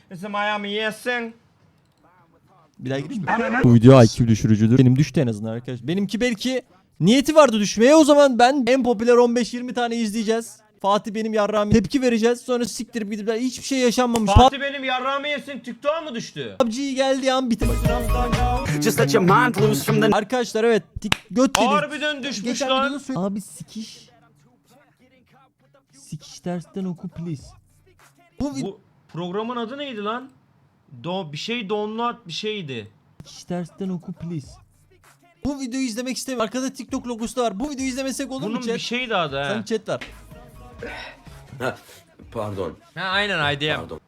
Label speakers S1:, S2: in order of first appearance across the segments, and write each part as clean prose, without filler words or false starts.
S1: It's Miami yesin.
S2: Bir daha gireyim mi? Bu video IQ düşürücüdür. Benim düştü en azından arkadaşlar. Benimki belki niyeti vardı düşmeye. O zaman ben en popüler 15-20 tane izleyeceğiz. Fatih benim yarrağımı tepki vereceğiz. Sonra siktirip gidip hiçbir şey yaşanmamış.
S1: Fatih benim yarrağımı yesin, TikTok'a mı düştü?
S2: PUBG'yi geldiği an bitir.
S3: Just let your mind loose from the
S2: Arkadaşlar evet göt yedik.
S1: Harbiden düşmüş
S2: Geçen
S1: lan.
S2: videoda Abi sikiş. Sikiş dersten oku please.
S1: Bu programın adı neydi lan? Bir şey download bir şeydi.
S2: Sikiş dersten oku please. Bu videoyu izlemek istemiyorum. Arkada TikTok logosu da var. Bu videoyu izlemesek olur mu
S1: Bunun
S2: chat?
S1: bir şeydi adı
S2: Sen
S1: ha.
S2: chat var.
S4: Pardon.
S1: Ha aynen IDM.
S4: Pardon.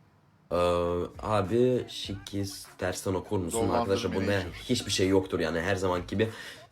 S4: Abi şikiz tersten okur musun arkadaşlar? Bunda hiçbir şey yoktur yani her zaman gibi.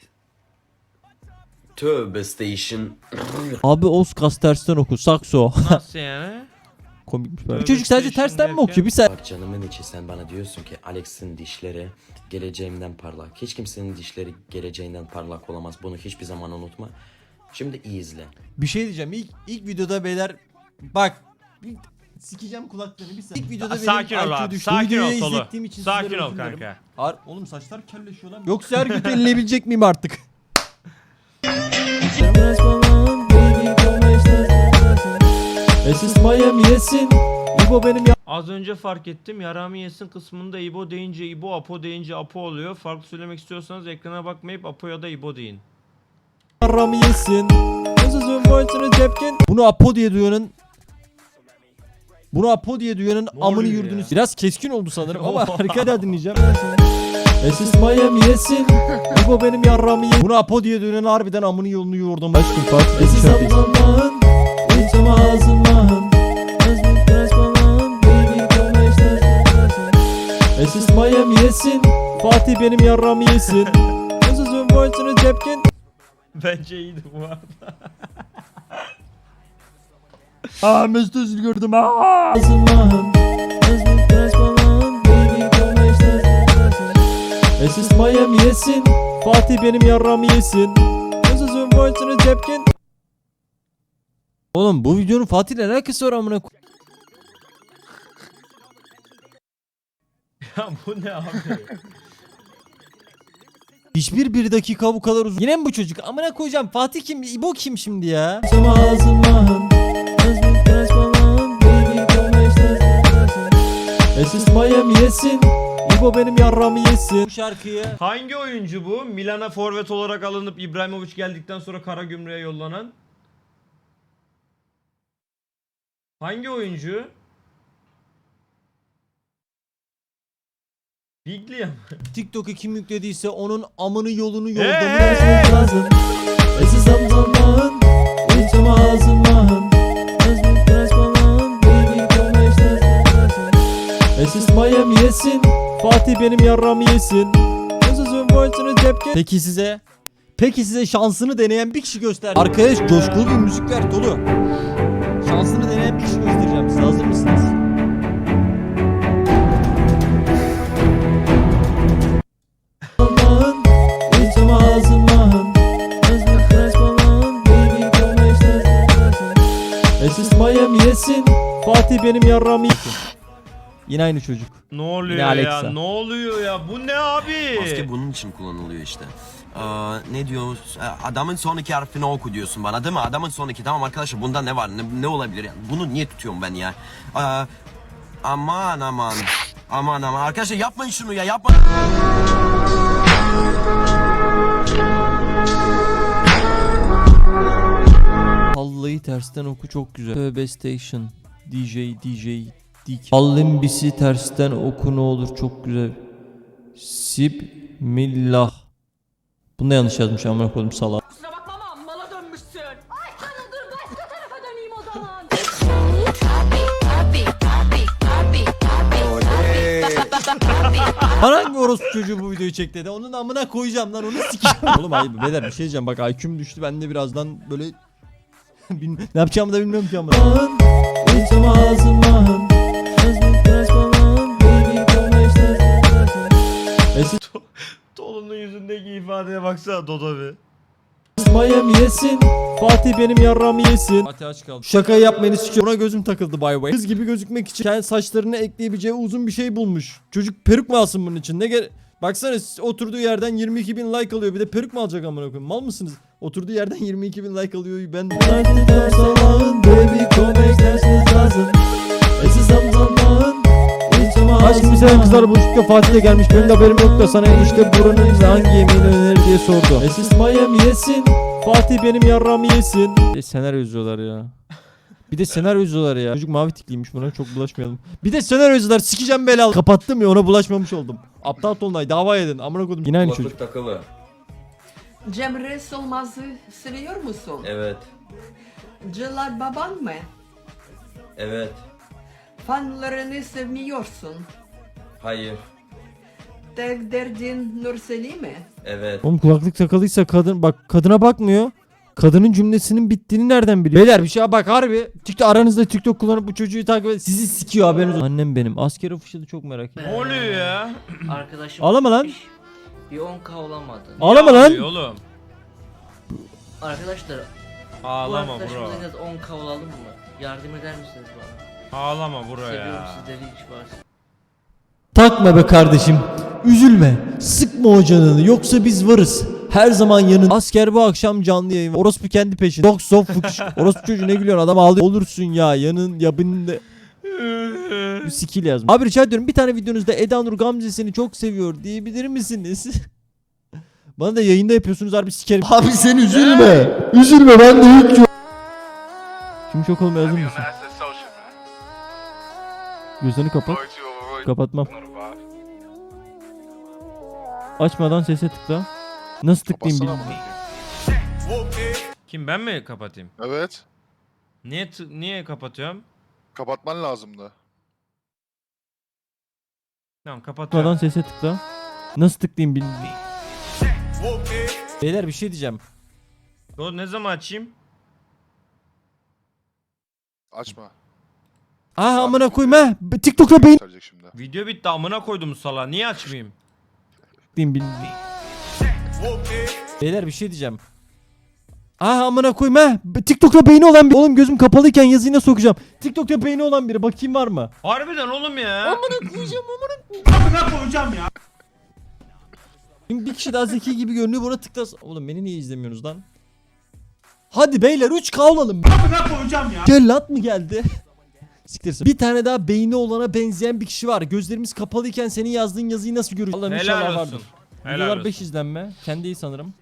S4: Tövbe station.
S2: Abi Oskas tersten oku. Sakso.
S1: Nasıl yani?
S2: Komikmiş
S1: Tövbe
S2: böyle. Çocuk sadece
S1: station
S2: tersten mi
S1: derken-
S2: okuyor? Bir saniye.
S4: Bak canımın içi sen bana diyorsun ki Alex'in dişleri geleceğimden parlak. Hiç kimsenin dişleri geleceğinden parlak olamaz. Bunu hiçbir zaman unutma. Şimdi iyi izle.
S2: Bir şey diyeceğim. İlk videoda beyler bak sikeceğim kulaklarını bir saniye. İlk videoda
S1: Sakin ol
S2: IQ
S1: abi.
S2: düştü.
S1: Sakin ol
S2: Videoyu
S1: Tolu.
S2: izlettiğim için
S1: Sakin
S2: sizlere
S1: ol
S2: özür dilerim.
S1: kanka.
S2: Oğlum saçlar kelleşiyor lan. Yoksa her götü elleyebilecek miyim artık? Esis Miami yesin. İbo benim ya.
S1: Az önce fark ettim. Yarağımı yesin kısmında İbo deyince İbo, Apo deyince Apo oluyor. Farklı söylemek istiyorsanız ekrana bakmayıp Apo ya da İbo deyin.
S2: Yarrağımı yesin. Sözün boyutunu cepken. Bunu Apo diye duyanın amını
S1: oluyor
S2: yurdunuz.
S1: ya?
S2: Biraz keskin oldu sanırım ama harika dinleyeceğim. Esis Miami yesin. İbo benim yarrağımı yesin. Bunu Apo diye duyanın harbiden amını yolunu yordum. Başkım Fatih. Esis Allah'ın. İçim ağzımdan. Esis Miami yesin. Fatih benim yarrağımı yesin. Sözün boyutunu cepken.
S1: Bence iyiydi bu arada.
S2: Mesut Özil gördüm. Ağzımdan. Esis Miami yesin. Fatih benim yarrağımı yesin. Sözün boyutunu cepken. Oğlum bu videonun Fatih'le alakası var amına
S1: Ya bu ne abi?
S2: Hiçbir bir dakika bu kadar uzun. Yine mi bu çocuk? Amına koyacağım. Fatih kim? İbo kim şimdi ya? Esis Miami yesin. İbo benim yarrağımı yesin. Bu şarkıyı
S1: Hangi oyuncu bu? Milan'a forvet olarak alınıp İbrahimovic geldikten sonra Karagümrük'e yollanan. Hangi oyuncu? Biglia mı?
S2: TikTok'a kim yüklediyse onun amını yolunu
S1: Hey!
S2: yoldamış lazım. Esis Allah'ın. İçim ağzımdan. Esis Miami yesin. Fatih benim yarrağımı yesin. Sözün boyutunu cepken. Peki size şansını deneyen bir kişi göster. Arkadaş coşkulu bir müzik ver dolu. Şansını deneyen bir kişi göstereceğim. Siz hazır mısınız? Allah'ın içim ağzımdan. Esis Miami yesin. Fatih benim yarrağımı yesin. Yine aynı çocuk.
S1: Ne oluyor
S2: Yine
S1: ya?
S2: Alexa.
S1: Ne oluyor ya? Bu ne abi?
S5: Maske bunun için kullanılıyor işte. Ne diyor? Adamın sonraki harfini oku diyorsun bana değil mi? Adamın sonraki tamam arkadaşlar bunda ne var? Ne olabilir yani? Bunu niye tutuyorum ben ya? Aman arkadaşlar yapmayın şunu ya yapmayın.
S2: Vallahi tersten oku çok güzel. Tövbe Station. DJ. Allimbisi tersten oku ne olur çok güzel. Sibmillah. Bunu da yanlış yazmış amına koydum salak.
S6: Kusura bakma ama mala dönmüşsün. Ay canım dur başka tarafa döneyim o zaman.
S2: Bana hangi orospu çocuğu bu videoyu çek dedi. Onun amına koyacağım lan onu sikeceğim. Oğlum ayıp beyler bir şey diyeceğim bak IQ'm düştü ben de birazdan böyle ne yapacağımı da bilmiyorum ki amına.
S1: Tolu'nun yüzündeki ifadeye baksana Dodo bir.
S2: Miami yesin. Fatih benim yarramı yesin. Fatih aç kaldı. Şakayı yapmayın istiyorum. Buna gözüm takıldı by the way. Kız gibi gözükmek için kendi saçlarını ekleyebileceği uzun bir şey bulmuş. Çocuk peruk mu alsın bunun için? Baksana oturduğu yerden 22.000 like alıyor. Bir de peruk mu alacak amına koyayım? Mal mısınız? Oturduğu yerden 22.000 like alıyor. Ben Aşkım seven kızlar buluştukça Fatih de gelmiş. Benim de haberim yok da sana işte buranın hangi yemeğini önerir diye sordu. Esis Miami yesin. Fatih benim yarramı yesin. Senaryo yazıyorlar ya. Bir de senaryo yazıyorlar ya. Çocuk mavi tikliymiş, buna çok bulaşmayalım. Bir de senaryo yazıyorlar, sikeceğim belalı. Kapattım ya, ona bulaşmamış oldum. Aptal Tolunay dava edin. Amına koydum. Yine aynı çocuk.
S4: takılı.
S7: Cemre Solmaz'ı seviyor musun?
S4: Evet.
S7: Celal baban mı?
S4: Evet.
S7: Fanlarını sevmiyorsun.
S4: Hayır.
S7: Tek derdin Nurseli mi?
S4: Evet.
S2: Oğlum kulaklık takalıysa kadın bak, kadına bakmıyor. Kadının cümlesinin bittiğini nereden biliyor? Beyler bir şey bak harbi. Aranızda TikTok kullanıp bu çocuğu takip et. Sizi sikiyor haberiniz olsun. Annem benim. Asker ofişi de çok merak ediyorum.
S1: Ne oluyor ya?
S8: Arkadaşım
S2: Ağlama lan.
S8: bir 10k olamadı.
S2: Ağlama
S1: Ne
S2: lan.
S1: oluyor oğlum?
S8: Arkadaşlar bu
S1: Ağlama
S8: arkadaşımız
S1: bro.
S8: en az 10k olalım mı? Yardım eder misiniz bana?
S1: Ağlama bro
S8: Seviyorum
S1: ya.
S8: sizleri hiç varsa.
S2: Takma be kardeşim. Üzülme. Sıkma o canını. Yoksa biz varız. Her zaman yanın. Asker bu akşam canlı yayın. Orospu kendi peşinde. Dok sof fıkış. Orospu çocuğu ne gülüyorsun, adam ağlıyor. Olursun ya yanın yabında. Bu skill yazmış. Abi rica ediyorum bir tane videonuzda Eda Nur Gamze'sini çok seviyor diyebilir misiniz? Bana da yayında yapıyorsunuz harbi sikerim. Abi sen üzülme. Üzülme, ben de yük yok. Şimdi çok olmaya hazır mısın? Gözlerini kapat. Kapatmam. Açmadan sese tıkla. Nasıl tıklayayım bilmiyorum.
S1: Kim, ben mi kapatayım?
S9: Evet.
S1: Niye kapatıyorum?
S9: Kapatman lazımdı.
S1: Tamam kapatıyorum.
S2: Açmadan sese tıkla. Nasıl tıklayayım bilmiyorum. Beyler bir şey diyeceğim.
S1: O ne zaman açayım?
S9: Açma.
S2: Aa amına koyayım ha. TikTok'ta beyin
S9: Gösterecek şimdi.
S1: Video bitti, amına koydum sala. Niye açmayayım?
S2: tıklayayım bilmiyorum. Beyler bir şey diyeceğim. Aa amına koyayım ha. TikTok'ta beyni olan bir. Oğlum gözüm kapalıyken yazıyı nasıl okuyacağım? TikTok'ta beyni olan biri. Bakayım var mı?
S1: Harbiden oğlum ya.
S2: Amına koyacağım. Şimdi bir kişi daha zeki gibi görünüyor, buna tıklas. Oğlum beni niye izlemiyorsunuz lan? Hadi beyler 3K olalım. Amına koyacağım ya. Cellat mı geldi? Siktirsin. Bir tane daha beyni olana benzeyen bir kişi var. Gözlerimiz kapalıyken senin yazdığın yazıyı nasıl görüyoruz? Allah'ım
S1: Helal
S2: inşallah
S1: olsun.
S2: vardır.
S1: Helal
S2: Videolar
S1: olsun.
S2: 5 izlenme. Kendi iyi sanırım.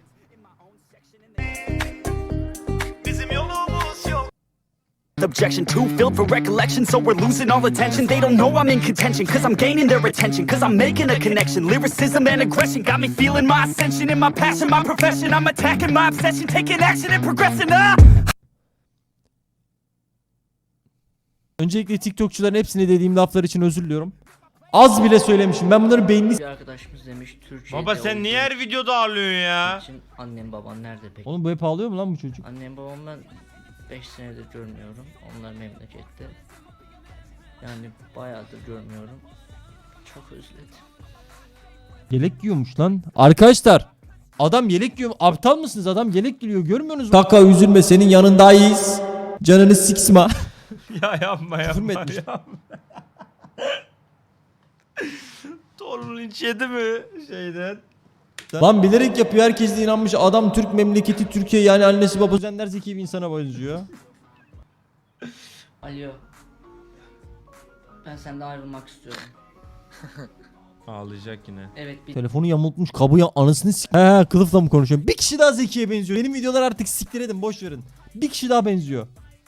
S3: Objection too filled for recollection, so we're losing all attention. They don't know I'm in contention, cause I'm gaining their attention, cause I'm making a connection. Lyricism and aggression got me feeling my ascension in my passion, my profession. I'm attacking my obsession, taking action and progressing.
S2: Öncelikle TikTokçuların hepsine dediğim laflar için özür diliyorum. Az bile söylemişim. Ben bunların beynini...
S8: Bir arkadaşımız demiş Türkiye'de
S1: Baba sen niye her videoda ağlıyorsun ya?
S8: için annem baban nerede peki?
S2: Oğlum bu hep ağlıyor mu lan bu çocuk?
S8: Annem babam ben 5 senedir görmüyorum. Onlar memlekette. Yani bayağıdır görmüyorum. Çok özledim.
S2: Yelek giyiyormuş lan. Arkadaşlar adam yelek giyiyor. Aptal mısınız? Adam yelek giyiyor. Görmüyorsunuz mu? Kaka üzülme, senin yanındayız. Canını siksma.
S1: Ya yapma
S2: Küfür mü
S1: yapma
S2: etmiş?
S1: yapma. Torun linç yedi mi şeyden?
S2: Lan bilerek yapıyor. Herkes de inanmış. Adam Türk memleketi Türkiye, yani annesi babası. Zender zeki bir insana benziyor.
S8: Alo. Ben senden ayrılmak istiyorum.
S1: Ağlayacak yine.
S8: Evet bir
S2: Telefonu yamultmuş, kabuya anasını sik. He kılıfla mı konuşuyorum? Bir kişi daha zekiye benziyor. Benim videolar artık siktir edin, boş verin. Bir kişi daha benziyor.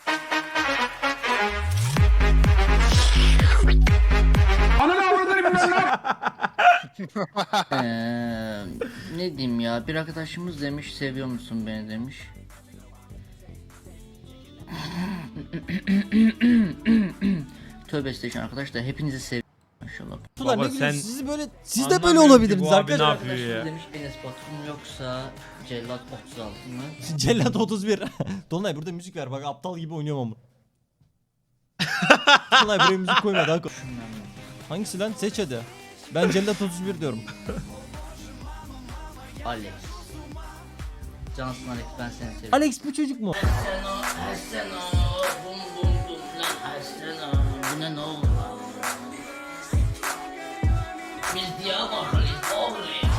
S8: ne diyeyim ya, bir arkadaşımız demiş seviyor musun beni demiş. Tövbe estağfurullah arkadaşlar, hepinizi seviyorum maşallah.
S2: Ulan
S1: Baba
S2: ne gülüyorsun?
S1: sen
S2: Siz böyle, siz de böyle
S1: anlamıyorum ki
S2: olabilirdiniz
S1: bu abi ne
S2: arkadaşlar.
S1: yapıyor ya?
S8: Arkadaşımız demiş Enes Batur mu yoksa Cellat 36 mı?
S2: Cellat 31. Dolunay burada müzik ver, bak aptal gibi oynuyorum ama. Dolunay buraya müzik koyma daha koy. Hangisi lan? Seç hadi. Ben Cellat 31 diyorum.
S8: Alex. Cansın Alex, ben seni seviyorum.
S2: Alex bu çocuk mu?
S8: Erseno, bum bum bum lan Erseno. Bu ne oldu lan? Biz Diyarbakırlıyız oğlum ya.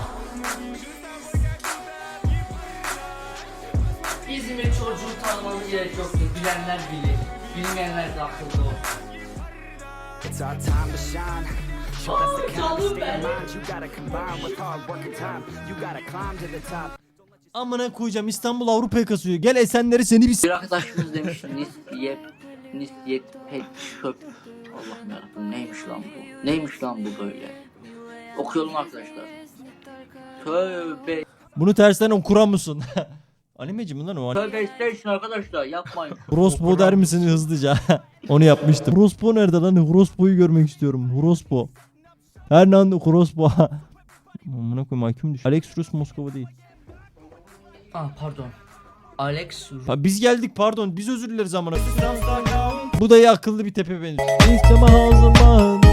S8: İzmir çocuğu tanımanın gerek yoktur. Bilenler bilir. Bilmeyenler de akıllı olsun.
S3: It's our time to shine. Show us the kind of state of mind you gotta combine with hard work and time. You gotta climb to the top.
S2: Amına koyacağım, İstanbul Avrupa'ya kasıyor. Gel Esenler'i seni bir
S8: Bir arkadaşımız demiş Nisyet pek çöp. Allah'ım yarabbim, neymiş lan bu? Neymiş lan bu böyle? Okuyalım arkadaşlar. Tövbe.
S2: Bunu tersten okuran mısın? Animeci mi lan o?
S8: Tövbe station arkadaşlar, yapmayın.
S2: Horospo der misin hızlıca? Onu yapmıştım. Horospo nerede lan? Horospo'yu görmek istiyorum. Horospo. Hernando Horospo. Amına koyayım, hakim düş. Alex Rus Moskova değil.
S8: Pardon. Alex
S2: Ha, biz geldik, pardon. Biz özür dileriz amına. Bu da iyi, akıllı bir tepe benziyor. İsteme hazırlan.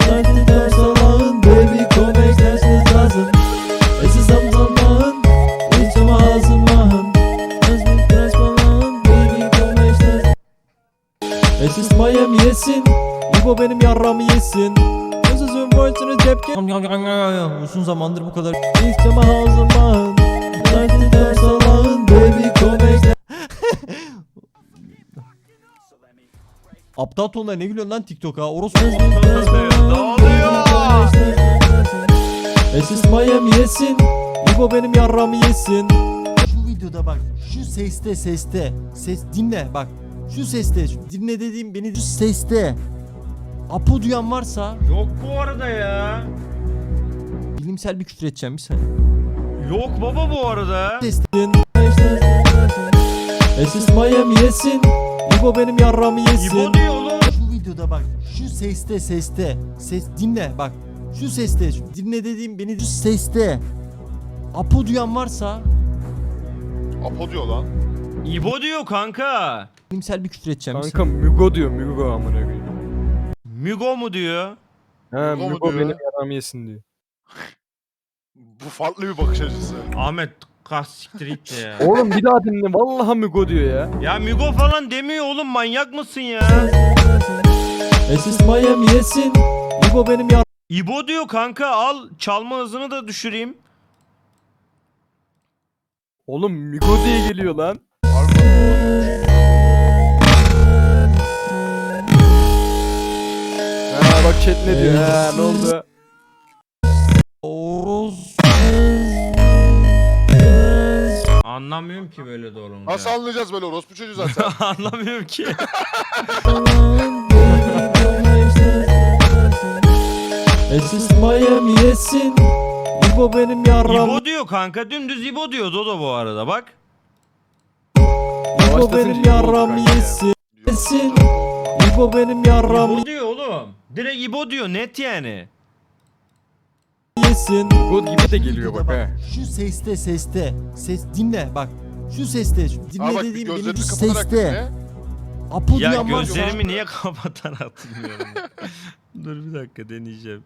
S2: Baby come exercise lazım. Esi zamzaman. İsteme hazırlan. Baby come exercise. Esis Miami yesin. İbo benim yarramı yesin. Sözün voice'unu tepki. Uzun zamandır bu kadar. İsteme hazırlan. Baby come exercise. Aptal tonlar, ne gülüyorsun lan TikTok'a? Orospu.
S1: Ne oluyor?
S2: Esis Miami yesin. İbo benim yarramı yesin. Şu videoda bak. Şu seste. Ses dinle bak. Şu seste. Şu dinle dediğim beni, şu seste. Apo duyan varsa
S1: Yok bu arada ya.
S2: bilimsel bir küfür edeceğim bir saniye.
S1: Yok baba bu arada.
S2: Sesin. Esis Miami yesin. İbo benim yarramı yesin.
S1: İbo diyor oğlum.
S2: Şu videoda bak. Şu seste. Ses dinle bak. Şu seste. Şu dinle dediğim beni, şu seste. Apo duyan varsa
S9: Apo diyor lan.
S1: İbo diyor kanka.
S2: bilimsel bir küfür edeceğim bir
S10: Kanka Mügo diyor, Mügo amına koyayım.
S1: Mügo mu diyor?
S10: Ha,
S9: Mügo mu
S10: Mügo
S9: diyor?
S10: benim yaramı yesin diyor.
S9: Bu farklı bir bakış açısı.
S1: Ahmet kas siktir git ya.
S10: Oğlum bir daha dinle, vallahi Mügo diyor ya.
S1: Ya Mügo falan demiyor oğlum, manyak mısın ya?
S2: Esis Miami yesin. İbo benim yarramı
S1: İbo diyor kanka, al çalma hızını da düşüreyim.
S10: Oğlum Mügo diye geliyor lan. Ha bak chat ne diyor, ha ne oldu?
S1: Anlamıyorum ki böyle doğrulunca.
S9: Nasıl anlayacağız böyle orospu çocuğu zaten?
S1: Anlamıyorum ki.
S2: Esis Miami yesin. İbo benim yarramı
S1: İbo diyor kanka, dümdüz İbo diyor Dodo bu arada bak.
S2: İbo
S10: Yavaşlasın
S2: benim
S10: şimdi
S2: yarramı
S10: kanka ya.
S2: yesin. Yesin. İbo benim yarramı
S1: İbo diyor oğlum. Direkt İbo diyor, net yani.
S2: yesin.
S10: Mügo gibi de geliyor bak ha.
S2: Şu seste. Ses dinle bak. Şu seste. Şu dinle
S9: Aa bak bir
S2: dediğim beni,
S9: gözlerini
S2: şu
S9: kapatarak
S2: seste.
S9: dinle.
S2: Apo
S1: Ya
S2: duyan varsa
S1: gözlerimi niye kapatarak hatırlıyorum? Dur bir dakika deneyeceğim.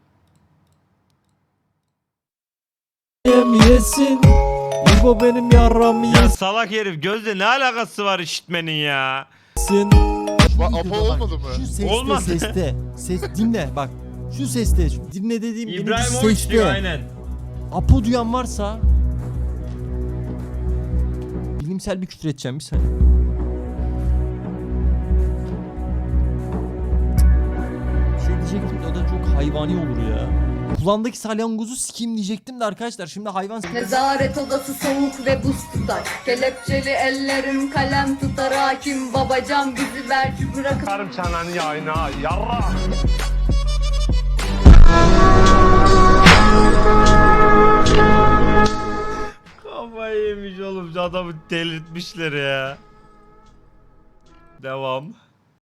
S2: Miami yesin. İbo benim yarramı
S1: Ya salak herif, gözle ne alakası var işitmenin ya?
S2: yesin.
S9: Bak Apo olmadı mı?
S2: Şu seste.
S1: Olmadı.
S2: Ses dinle bak. Şu seste. Şu dinle dediğim beni, şu
S1: İbrahimovic
S2: seste.
S1: diyor aynen.
S2: Apo duyan varsa bilimsel bir küfür edeceğim bir saniye. Bir şey diyecektim de o da çok hayvani olur ya. Kulağındaki salyangozu sikeyim diyecektim de arkadaşlar, şimdi hayvan
S6: Nezaret odası soğuk ve buz tutar. Kelepçeli ellerim kalem tutar. Hakim babacan bizi belki bırakıp
S1: Kafayı yemiş oğlum, adamı delirtmişler ya. Devam.